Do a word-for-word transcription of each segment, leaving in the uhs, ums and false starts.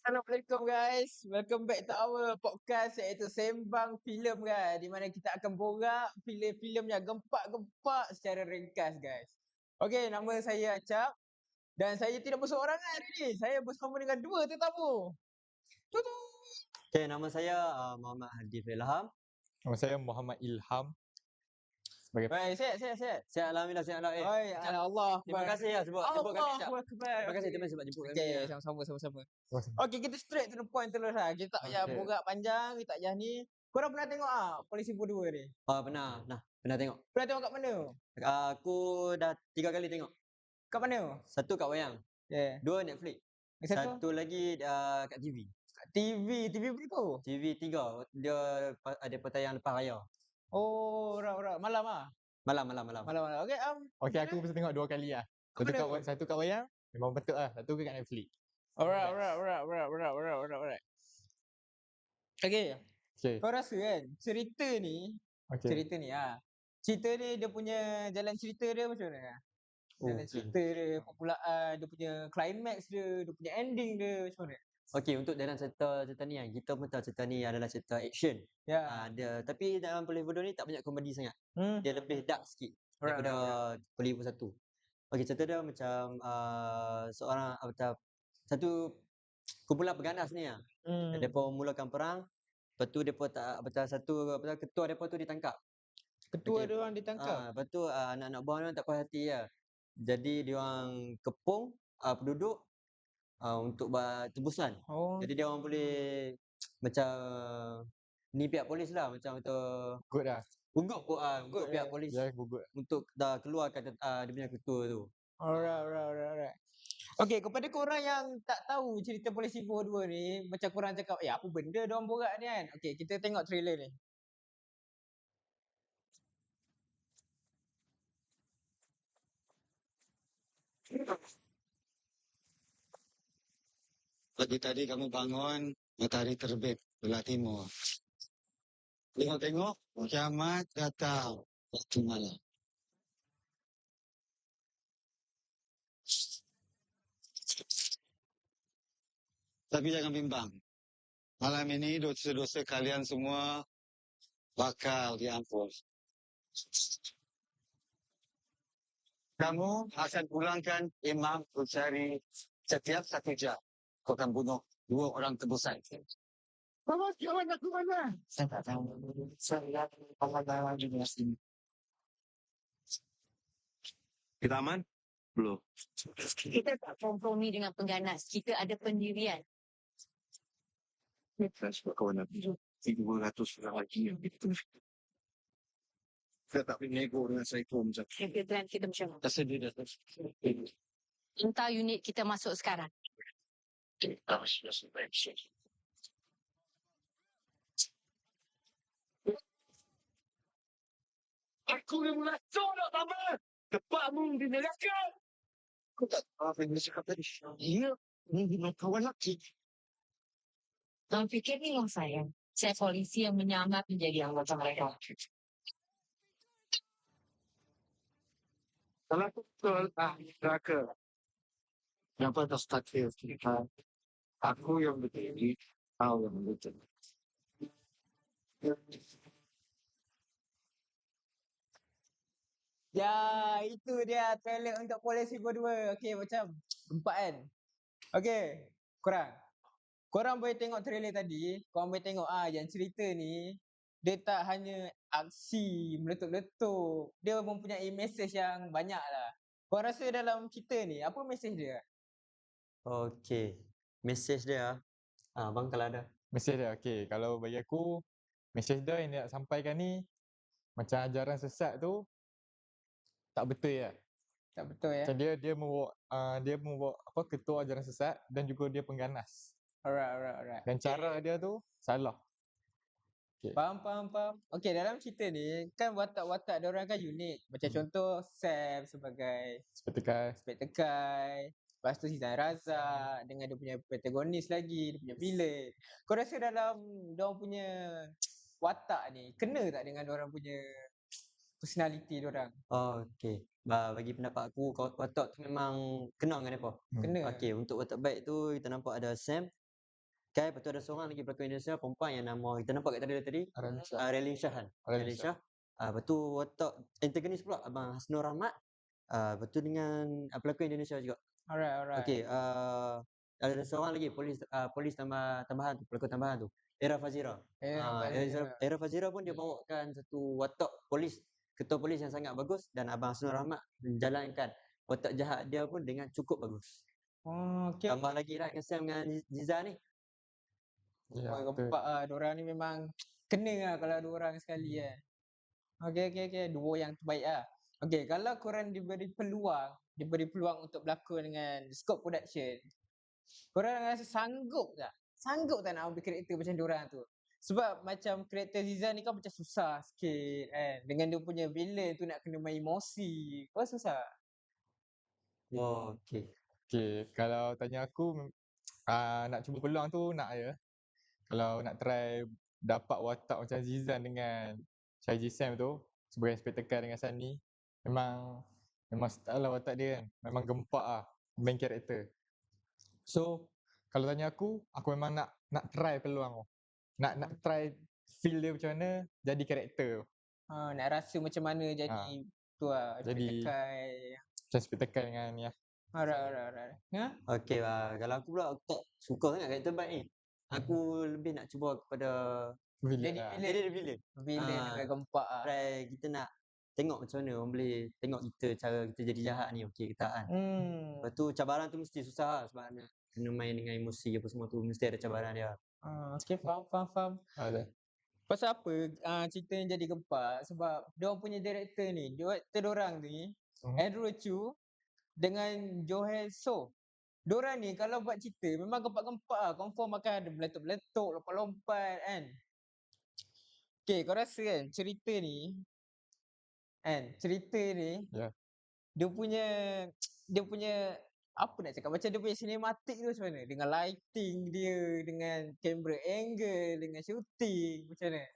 Assalamualaikum guys, welcome back to our podcast iaitu Sembang Filem guys, di mana kita akan borak filem-filem yang gempak-gempak secara ringkas guys. Okey, nama saya Acap dan saya tidak berseorangan hari ni. Saya bersama dengan dua tetamu. Tutu. Okay, nama saya uh, Muhammad Hadi Ilham. Nama saya Muhammad Ilham. Sebagai Baik, sihat sihat sihat. Sihat Alhamdulillah, sihat Allah. Eh, Oi, Acap, Allah. terima kasih ya sebab jemput kami Acap. Allah Akbar. Terima kasih, terima kasih sebab jemput kami. Okey, ya. sama-sama sama-sama. Terima Okey, kita straight to the point terus lah. Kita tak payah Okey. borak panjang, kita tak payah ni. Korang pernah tengok ah Polisi Boh dua ni? Ah, pernah, nah, pernah tengok. Pernah tengok kat mana? Uh, aku dah tiga kali tengok. Kat mana? Satu kat wayang, Yeah. dua Netflix, Yang satu? satu lagi uh, kat T V. Kat T V. T V berapa? T V tiga, dia pa- ada pertayang lepas raya. Oh, rak rak. Malam ah. Malam, malam, malam. Malam malam. Okey, um. Okey, aku mesti tengok dua kali lah. Kat Satu mana kat, tu? wa- satu kat wayang, memang betul lah. Satu kat Netflix. Alright, alright, alright, alright, alright, alright, alright, alright. Okey, Okey. kau rasa kan cerita ni, Okey. cerita ni ah. Cerita ni dia punya jalan cerita dia macam mana? Oh, Jalan cerita dia, permulaan, dia punya climax dia, dia punya ending dia macam mana? Okey, untuk dalam cerita cerita ni kan, kita pun tahu cerita ni adalah cerita action. Ya. Ah, dia tapi dalam Polis Bodoh ni tak banyak komedi sangat. Hmm. Dia lebih dark sikit Alright, daripada alright, Polis Bodoh satu. Okey, cerita dia macam uh, seorang uh, macam satu kumpulan pengganas ni lah. Hmm. Depa mulakan perang, lepas tu depa tak betul satu apa tu, ketua depa tu ditangkap. Ketua Okey. dia orang ditangkap. Ah, lepas tu uh, anak-anak buah dia orang tak puas hati lah. Jadi dia orang kepung uh, penduduk uh, untuk buat tebusan. Oh. Jadi dia orang boleh macam ni pihak polis lah, macam untuk Good lah. gugup uh, gugup Good, pihak eh. polis Ya, good. untuk dah keluarkan uh, dia punya ketua tu. Alright, alright, alright, alright. Okey, kepada korang yang tak tahu cerita Polisi Boh dua ni, macam korang cakap, eh apa benda diorang borak ni kan? Okey, kita tengok trailer ni. Pagi tadi kamu bangun, matahari terbit belah timur. Tengok-tengok, kiamat datang waktu malam. Tapi jangan bimbang. Malam ini dosa-dosa kalian semua bakal diampun. Kamu akan pulangkan Imam Bukhari setiap satu jam. Kau akan bunuh dua orang tebusan. Mama, kawan aku mana? Saya tak tahu. Saya akan di sini. Kita aman? Belum. Kita tak kompromi dengan pengganas. Kita ada pendirian. Saya sebab kawan aku. Tiga ratus orang lagi yang gitu. Saya tak boleh nego dengan Saiful macam tu. Kebetulan kita macam mana? Tak sedih dah. Entah unit kita masuk sekarang. Tak sudah sampai. Aku yang melacur nak tambah. Tepatmu di neraka. Kau tak tahu apa yang dia cakap tadi. Ya, ini dengan kawan lelaki. Jangan fikir ni lah saya. Saya polisi yang menyamar menjadi anggota mereka. Kalau aku betul ahli neraka. Kenapa tak takdir kita? Aku yang berdiri, kau yang betul. Ya, itu dia trailer untuk Polisi Boh dua. Okey, macam gempak kan? Okey, korang. Korang boleh tengok trailer tadi, korang boleh tengok ah yang cerita ni dia tak hanya aksi meletup-letup. Dia mempunyai mesej yang banyak lah. Korang rasa dalam cerita ni apa mesej dia? Okey. Mesej dia ah bang kalau ada. Mesej dia, okey. Kalau bagi aku, mesej dia yang dia nak sampaikan ni, macam ajaran sesat tu, tak betul ya. Tak betul ya? Macam dia dia membawa uh, dia membawa apa ketua ajaran sesat dan juga dia pengganas. Alright, alright, alright. Dan cara dia tu salah. Faham, faham, faham. Okey, dalam cerita ni kan watak-watak dia orang kan unik. Macam Hmm. contoh Sam sebagai Spectacle. Spektakai. Lepas tu Zizan Razak dengan dia punya protagonis lagi, dia punya villain. Kau rasa dalam dia orang punya watak ni kena tak dengan dia orang punya personality dia orang? Oh, okey. Ba bagi pendapat aku kau- watak tu memang kena dengan depa. Hmm. Kena. Okey, untuk watak baik tu kita nampak ada Sam, Kai, lepas tu ada seorang lagi pelakon Indonesia perempuan yang nama kita nampak kat trailer tadi, Aralin Shah. uh, Relin Shah kan. Relin Relin Shah. Shah. Ah, lepas tu watak antagonis pula Abang Hasnur Rahmat. Ah, lepas tu dengan uh, pelakon Indonesia juga. Alright, alright. Okey, uh, ada seorang lagi polis uh, polis tambah tambahan tu, pelakon tambahan tu. Era Fazira. Eh, Ah, nampak Era, je. Era Fazira pun dia bawakan satu watak polis, ketua polis yang sangat bagus dan Abang Hasnur Rahmat menjalankan watak jahat dia pun dengan cukup bagus. Oh, okey. Tambah lagi lah Kasim dengan Ziza ni. Ya, Oh, betul. gempak ah, diorang ni memang kena lah kalau dua orang sekali kan. Okey, okey, okey. Duo yang terbaik lah. Okey, kalau korang diberi peluang, diberi peluang untuk berlakon dengan Scope Production, korang rasa sanggup tak? Sanggup tak nak ambil karakter macam diorang tu? Sebab macam karakter Ziza ni kan macam susah sikit kan. Dengan dia punya villain tu nak kena main emosi. Kau susah? Oh, okey. Okay, kalau tanya aku mem- ah, nak cuba peluang tu nak ya. Kalau nak try dapat watak macam Zizan dengan Shaiji Sam tu sebagai spektakal dengan Sunny, memang memang style lah watak dia kan. Memang gempak lah main karakter. So kalau tanya aku, aku memang nak nak try peluang tu. Nak nak try feel dia macam mana jadi karakter tu. Ha, nak rasa macam mana jadi Ha, tu lah. jadi- Spektakal. Macam spektakal dengan ni lah. Alright, alright, alright. Ha? Okey lah. Kalau aku pula aku tak suka sangat karakter baik ni. Aku lebih nak cuba kepada Villain Jadi lah. villain. jadi villain. Villain Ah, dengan gempak lah. Try kita nak tengok macam mana orang boleh tengok kita cara kita jadi jahat ni okey ke tak kan. Hmm. Lepas tu cabaran tu mesti susah lah sebab nak kena main dengan emosi apa semua tu mesti ada cabaran dia. Ah, okay, faham, faham, faham. Ada. Pasal apa uh, cerita ni jadi gempak? Sebab diorang punya director ni, director diorang ni, Hmm. Andrew Chu dengan Johae So. Diorang ni kalau buat cerita memang gempak-gempak lah. Confirm akan ada meletup-meletup, lompat-lompat kan. Okay, kau rasa kan cerita ni, kan, cerita ni, Ya. dia punya, dia punya, apa nak cakap, macam dia punya cinematic tu macam mana? Dengan lighting dia, dengan camera angle, dengan shooting, macam mana?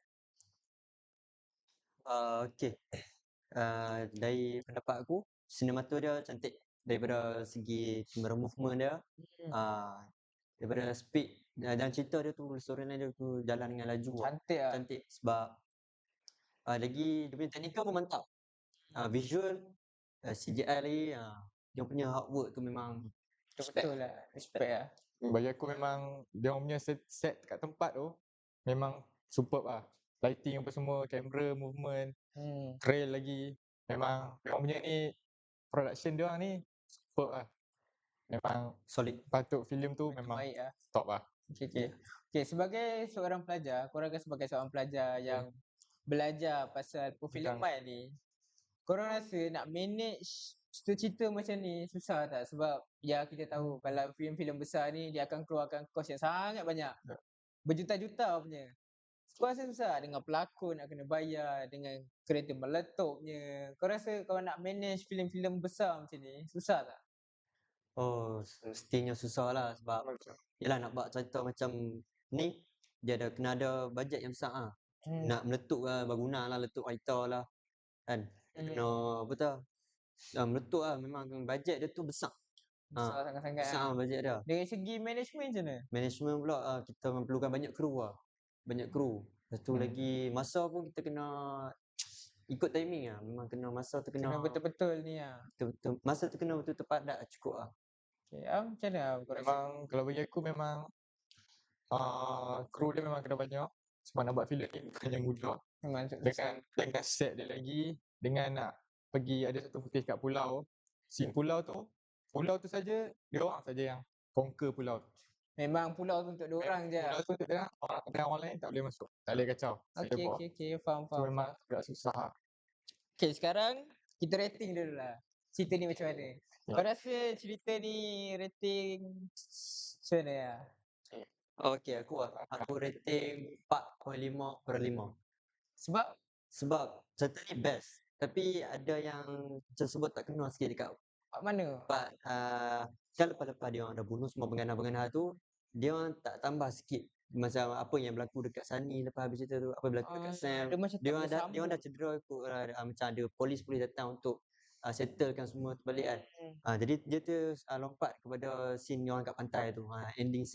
Uh, okey. Uh, dari pendapat aku, sinemato dia cantik daripada segi kamera movement dia. Hmm. Uh, daripada speed uh, dan cerita dia tu storyline dia tu jalan dengan laju lah. Cantik lah. Cantik sebab uh, lagi dia punya teknikal pun mantap. Uh, visual, uh, C G I lagi, uh, dia punya artwork tu memang respect. Betul lah. Respect lah. Bagi aku memang dia orang punya set, set kat tempat tu memang superb lah. Lighting apa semua, kamera, movement, Hmm. trail lagi. Memang dia orang punya ni production dia orang ni superb lah. Memang Solid. patut filem tu memang Baik lah. top lah. Okay, okay. Okay, sebagai seorang pelajar, korang kan sebagai seorang pelajar yang belajar pasal perfilman ni, korang rasa nak manage cerita-cerita macam ni susah tak? Sebab ya kita tahu kalau filem-filem besar ni dia akan keluarkan kos yang sangat banyak. Ya. Berjuta-juta punya. Kau rasa susah dengan pelakon nak kena bayar, dengan kereta meletupnya. Kau rasa kalau nak manage filem-filem besar macam ni susah tak? Oh, semestinya susah lah sebab yelah nak buat cerita macam ni dia ada kena ada bajet yang besar ah. Hmm. Nak meletup lah, bangunan lah, letup kereta lah. Kan? Hmm. Kena apa tu? Uh, meletup lah memang bajet dia tu besar. Besar sangat-sangat Besar lah. lah bajet dia. Dari segi management macam mana? Management pula uh, kita memerlukan banyak kru lah. Banyak kru. Lepas tu Hmm. lagi masa pun kita kena ikut timing lah. Memang kena masa tu kena, Kena betul-betul ni lah. betul-betul masa tu kena betul tepat dah cukup lah. Okay, Am, macam mana Am, kau rasa? Memang kalau bagi aku memang uh, kru dia memang kena banyak. Sebab nak buat filem ni bukan yang mudah. Memang tu- Dengan dengan set dia lagi, dengan nak pergi ada satu footage kat pulau. Scene pulau tu, pulau tu saja dia orang saja yang conquer pulau tu. Memang pulau tu untuk dia orang je. Pulau tu dia orang, dan orang lain tak boleh masuk. Tak boleh kacau. Tak boleh Okey, bawa. okey, okey. Faham, So faham. memang agak susah lah. Okey, sekarang kita rating dulu lah. Cerita ni macam mana? Kau rasa cerita ni rating macam mana lah? Okey, aku aku rating empat perpuluhan lima per lima. Sebab Sebab cerita ni best. Tapi ada yang macam sebut tak kena sikit dekat kat mana? part uh, kan lepas-lepas dia orang dah bunuh semua penggana-penggana tu, dia orang tak tambah sikit macam apa yang berlaku dekat Sunny lepas habis cerita tu, apa yang berlaku dekat Ah, Sam. dia macam Dia tak orang dah dia orang dah bersambung. cedera ikut uh, macam ada polis-polis datang untuk uh, settlekan semua tu balik kan. Hmm. Uh, jadi dia tu uh, lompat kepada scene dia orang kat pantai tu, uh, ending scene.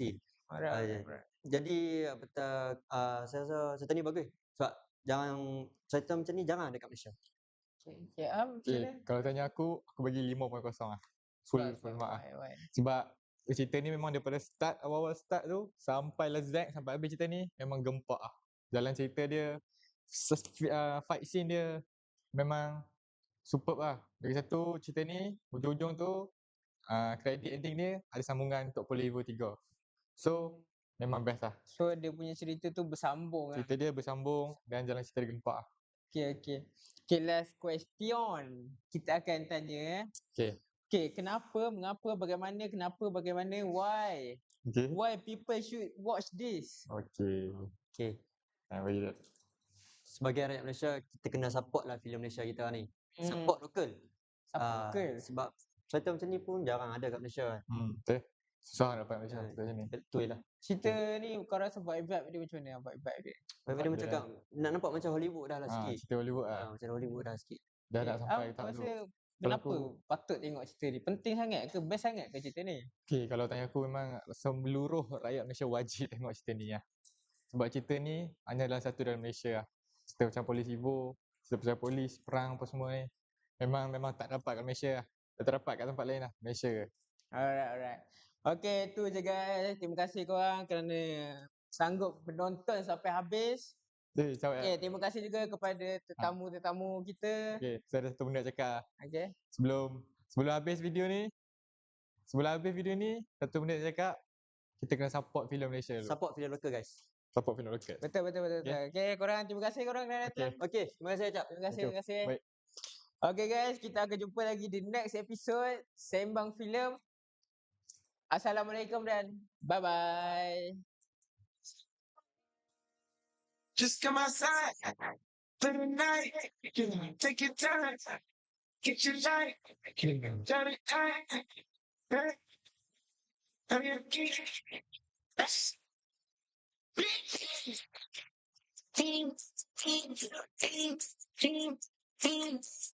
Ah, Alright, ya. alright. Jadi apa kata, ah, saya rasa cerita ni bagus. Sebab jangan cerita macam ni jangan dekat Malaysia. Okay, okay. Am, macam Okay, mana? kalau tanya aku, aku bagi lima kosong kosong lah. Full, Sebab, full sebab, mark lah. why, why? Sebab cerita ni memang daripada start, awal-awal start tu sampai lezat, sampai habis cerita ni memang gempak lah. Jalan cerita dia, sus- uh, fight scene dia memang superb lah. Lagi satu, cerita ni hujung-hujung tu uh, credit ending dia ada sambungan untuk Poli Evo tiga. So memang best lah. So, dia punya cerita tu bersambung lah. Cerita dia bersambung dan jalan cerita dia gempak lah. Okay, okay. Okay, last question. Kita akan tanya. eh. Okay. Okay, kenapa, mengapa, bagaimana, kenapa, bagaimana, why? Okay. Why people should watch this? Okay. Okey. Ha, bagi dia. Sebagai rakyat Malaysia, kita kena support lah filem Malaysia kita ni. Hmm. Support lokal. Support Ah, lokal. Sebab cerita macam ni pun jarang ada kat Malaysia. Hmm, betul. Susah nak dapat Malaysia Ah, cerita macam ni. Betul lah. Cerita ni kau rasa vibe vibe dia macam mana? Vibe vibe dia. Lepas dia dia macam nak nampak macam Hollywood dah lah Ha, sikit. cerita Hollywood lah. Ah, macam Hollywood dah sikit. Dah Okay. nak sampai Am, tak kau tu. rasa Kalau kenapa aku, patut tengok cerita ni? Penting sangat ke? Best sangat ke cerita ni? okay, kalau tanya aku memang seluruh rakyat Malaysia wajib tengok cerita ni lah. Sebab cerita ni hanya dalam satu dalam Malaysia lah. Cerita macam Polis Evo, cerita pasal polis, perang apa semua ni. Memang memang tak dapat kat Malaysia lah. Tak terdapat kat tempat lain lah. Malaysia ke. Alright, alright. Okay, tu je guys. Terima kasih korang kerana sanggup menonton sampai habis. Eh, cakap Okay, terima kasih juga kepada tetamu-tetamu kita. Okay, saya ada satu benda nak cakap. Okay. Sebelum sebelum habis video ni, sebelum habis video ni, satu benda nak cakap. Kita kena support filem Malaysia dulu. Support filem lokal guys. Support filem lokal. Betul, betul, betul. betul. Okay, korang terima kasih korang dah datang. Okey, terima kasih Acap. Terima kasih, Thank you. terima kasih. Baik. Okay guys, kita akan jumpa lagi di next episode Sembang Filem. Assalamualaikum dan bye-bye. Just come outside for the night. Take your time. Get your light. Turn it tight. Hey, I'm your king. Team, team, team, team, team.